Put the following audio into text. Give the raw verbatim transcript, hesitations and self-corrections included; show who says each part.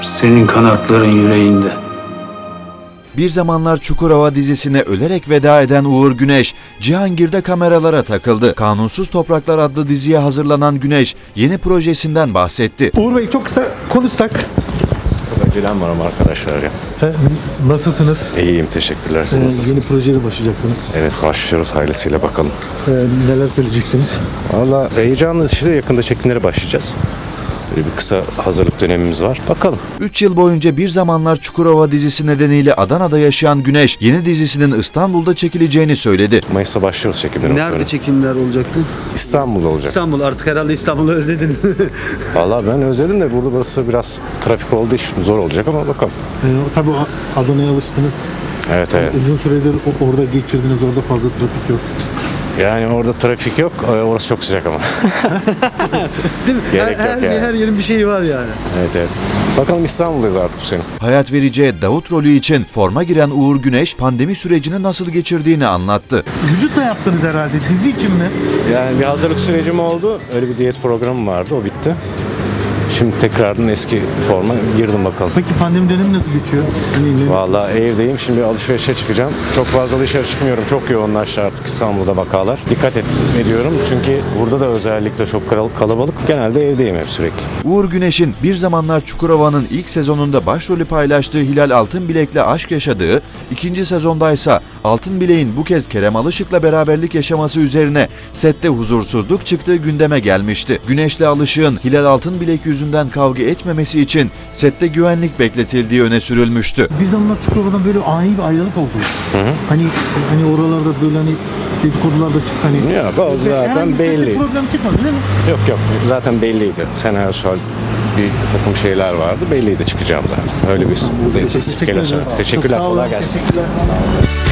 Speaker 1: Senin kanatların yüreğinde.
Speaker 2: Bir Zamanlar Çukurova dizisine ölerek veda eden Uğur Güneş, Cihangir'de kameralara takıldı. Kanunsuz Topraklar adlı diziye hazırlanan Güneş, yeni projesinden bahsetti.
Speaker 3: Uğur Bey çok kısa konuşsak.
Speaker 4: Acelem var ama arkadaşlar ya.
Speaker 3: He, nasılsınız?
Speaker 4: İyiyim, teşekkürler. Siz
Speaker 3: Ee,
Speaker 4: nasılsınız?
Speaker 3: yeni projeye başlayacaksınız.
Speaker 4: Evet, başlıyoruz hayırlısıyla bakalım.
Speaker 3: Ee, neler söyleyeceksiniz?
Speaker 4: Valla heyecanlı, işte yakında çekimlere başlayacağız. Böyle bir kısa hazırlık dönemimiz var. Bakalım.
Speaker 2: üç yıl boyunca Bir Zamanlar Çukurova dizisi nedeniyle Adana'da yaşayan Güneş, yeni dizisinin İstanbul'da çekileceğini söyledi.
Speaker 4: Mayıs'ta başlıyoruz çekimlere.
Speaker 5: Nerede çekimler olacaktı?
Speaker 4: İstanbul'da olacak.
Speaker 5: İstanbul. Artık herhalde İstanbul'u özlediniz.
Speaker 4: Valla ben özledim de burada burası biraz trafik olduğu için zor olacak ama bakalım.
Speaker 3: Ee, tabii Adana'ya alıştınız.
Speaker 4: Evet evet.
Speaker 3: Uzun süredir o- orada geçirdiniz. Orada fazla trafik yok.
Speaker 4: Yani orada trafik yok. Ee, Orası çok sıcak ama.
Speaker 5: Değil mi?
Speaker 4: Gerek
Speaker 5: her,
Speaker 4: yok
Speaker 5: her,
Speaker 4: yani.
Speaker 5: her yerin bir şeyi var yani.
Speaker 4: Evet evet. Bakalım İstanbul'dayız artık bu sene.
Speaker 2: Hayat vereceği Davut rolü için forma giren Uğur Güneş, pandemi sürecini nasıl geçirdiğini anlattı.
Speaker 3: Vücut da yaptınız herhalde. Dizi için mi?
Speaker 4: Yani bir hazırlık sürecim oldu. Öyle bir diyet programım vardı. O bitti. Şimdi tekrardan eski forma girdim bakalım.
Speaker 3: Peki pandemi dönemi nasıl geçiyor? Hani ne-
Speaker 4: Vallahi evdeyim. Şimdi alışverişe çıkacağım. Çok fazla dışarı çıkmıyorum. Çok yoğunlaştı artık İstanbul'da vakalar. Dikkat et, ediyorum çünkü burada da özellikle çok kal- kalabalık. Genelde evdeyim hep sürekli.
Speaker 2: Uğur Güneş'in Bir Zamanlar Çukurova'nın ilk sezonunda başrolü paylaştığı Hilal Altınbilek'le aşk yaşadığı, ikinci sezondaysa Altınbilek'in bu kez Kerem Alışık'la beraberlik yaşaması üzerine sette huzursuzluk çıktığı gündeme gelmişti. Güneş'le Alışık'ın Hilal Altınbilek yüzünden kavga etmemesi için sette güvenlik bekletildiği öne sürülmüştü.
Speaker 3: Bir zamanlar Çukurova'dan böyle ani bir ayrılık oldu. Hani hani oralarda böyle hani dedikodular da çıktı hani.
Speaker 4: Yok, o zaten
Speaker 3: Herhangi bir sette
Speaker 4: belli.
Speaker 3: problem çıkmadı değil mi?
Speaker 4: Yok yok, zaten belliydi. Senaryosal bir takım şeyler vardı. Belliydi çıkacağım zaten. Öyle bir
Speaker 3: Teşekkür ederim.
Speaker 4: Teşekkürler.
Speaker 3: Çok sağ olun.
Speaker 4: Kolay gelsin.
Speaker 3: Teşekkürler.